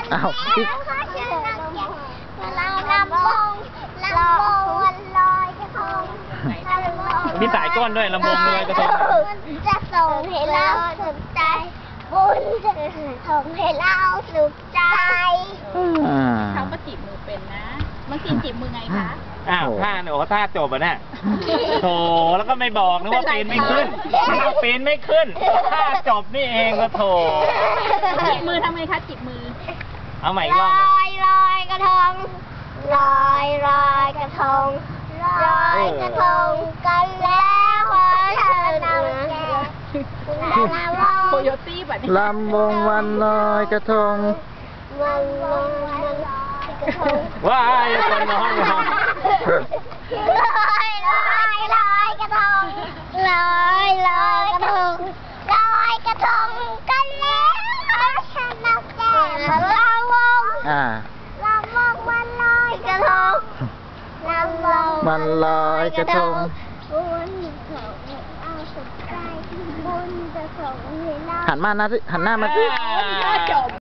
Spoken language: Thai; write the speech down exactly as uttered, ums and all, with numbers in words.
อ้าวพี่เราลำวงลำวงวันลอยกระทงมีสายก้นด้วยลำวงเลยกระทงจะส่งให้เราสุขใจบุญจะส่งให้เราสุขใจอ่าเขาก็จีบมือเป็นนะเมื่อกี้จีบมือไงคะอ้าวท่าโอ้ท่าจบอ่ะเนี่ยโถแล้วก็ไม่บอกนึกว่าปีนไม่ขึ้นเอาปีนไม่ขึ้นท่าจบนี่เองก็โถจีบมือทำไงคะจีบมือเอาใหม่อีลกรอบหนึ่งอยลอยกระทงลอยลอยกระทงลอยกระทงกันแล้วขอเชิญเอาแก่ละวงโคโยตี้แบบนี้ลำวงวันลอยกระทงวันวงวันลอยกระทงว้ายคนน้องน้องลอยลอยลอยกระทงลอยลอยกระทงลอยกระทงกันแล้วขอเชิญเอาแก่ละวงอ่าลำวงวันลอยกระทงลำวงวันลอยกระทงบุญส่งให้เอาสุขใจบุญจะส่งให้เราหันมานะสิหันหน้ามาสิก็จบ